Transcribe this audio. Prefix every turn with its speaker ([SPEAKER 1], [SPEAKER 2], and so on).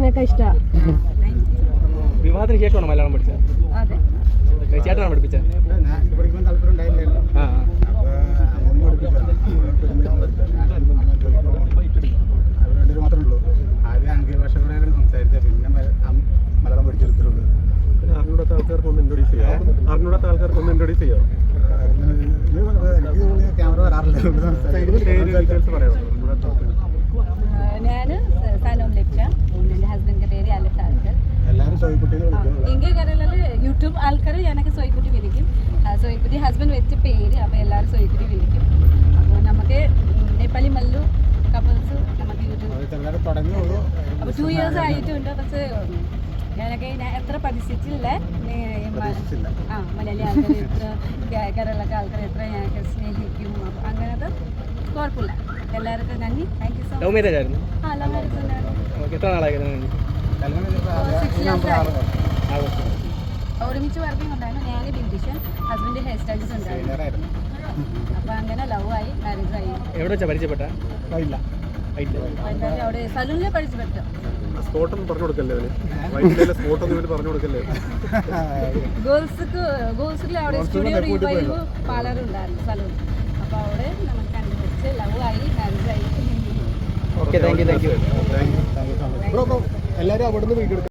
[SPEAKER 1] സംസാരമൊക്കെ ഇഷ്ടമാണ്.
[SPEAKER 2] വിവാഹത്തിന് ശേഷമാണ് മലയാളം പഠിച്ചത്?
[SPEAKER 1] അതെ.
[SPEAKER 2] ചേട്ടനാണ് പഠിപ്പിച്ചത്?
[SPEAKER 3] മാത്രമേ ഉള്ളൂ. ആദ്യം ആംഗ്യ ഭാഷകളാണ് സംസാരിച്ചത്, പിന്നെ മലയാളം പഠിച്ചെടുത്തിട്ടുള്ളൂ.
[SPEAKER 4] അറിഞ്ഞൂടാത്ത ആൾക്കാർക്കൊന്ന് ഇൻട്രൊഡ്യൂസ് ചെയ്യാം.
[SPEAKER 3] എനിക്ക് തോന്നുന്നു ക്യാമറ വരാറില്ല.
[SPEAKER 4] ഡീറ്റെയിൽസ് പറയാമോ?
[SPEAKER 1] ഞാൻ സലോം ലെപ്ച, എൻ്റെ ഹസ്ബൻഡിൻ്റെ പേര് അലക്സ് ആൾക്കർ.
[SPEAKER 3] എല്ലാവരും സോയിക്കുട്ടിനെ വിളിക്കും.
[SPEAKER 1] ഇന്ത്യ കരളിൽ യൂട്യൂബ് ആൾക്കാർ ഞാനൊക്കെ സോയിക്കുട്ടി വിളിക്കും. സോയിക്കുട്ടി ഹസ്ബൻഡ് വെച്ച പേര്, അപ്പോൾ എല്ലാവരും സോയിക്കുട്ടി വിളിക്കും. അപ്പോൾ നമുക്ക് നേപ്പാളി മല്ലു കപ്പിൾസ് നമുക്ക് യൂട്യൂബ്
[SPEAKER 3] തുടങ്ങിയുള്ളൂ.
[SPEAKER 1] അപ്പോൾ 2 years ആയിട്ടുണ്ട്. പക്ഷേ ഞാൻ എത്ര പഠിച്ചിട്ടില്ല. മലയാളി ആൾക്കാർ എത്ര, കേരളത്തെ ആൾക്കാർ എത്ര ഞങ്ങൾക്ക് സ്നേഹിക്കും. അപ്പോൾ അങ്ങനത്തെ കുഴപ്പമില്ല. എല്ലാവർക്കും നന്ദി. Thank you so much.
[SPEAKER 2] Love marriage ആയിരുന്നു?
[SPEAKER 1] ലവ് മാരേജ് തന്നെയായിരുന്നു.
[SPEAKER 2] എത്ര നാളായി?
[SPEAKER 1] 6 years ആയി. ഒരുമിച്ച് വർക്കിംഗ് ഉണ്ടായിരുന്നു. ഞാൻ ബ്യൂട്ടീഷ്യൻ, ഹസ്ബൻഡ് ഹെയർ സ്റ്റൈലിസ്റ്റ് ഉണ്ടായിരുന്നു. അപ്പോൾ അങ്ങനെ ലവ് ആയി, മാരേജ് ആയി.
[SPEAKER 2] എവിടെ വെച്ചാൽ പരിചയപ്പെട്ട?
[SPEAKER 1] അവിടെ സലൂണിലെ പരിചയപ്പെട്ടു.
[SPEAKER 4] സ്പോട്ടൊന്നും പറഞ്ഞു കൊടുക്കല്ലേ? വൈകിട്ടേലെ സ്പോട്ടൊന്നും ഇവര് പറഞ്ഞു കൊടുക്കല്ലേ?
[SPEAKER 1] ഗേൾസിൽ അവിടെ സ്റ്റുഡിയോ റീവൈവ് പാർലർ ഉണ്ടായിരുന്നു, സലൂൺ. അപ്പോൾ അവിടെ നമുക്ക് കണ്ടുപിടിച്ച് ലവ് ആയി, മാരേജ് ആയി.
[SPEAKER 2] Okay, thank you.
[SPEAKER 3] എല്ലാവരും അവിടെ നിന്ന് വീഡിയോ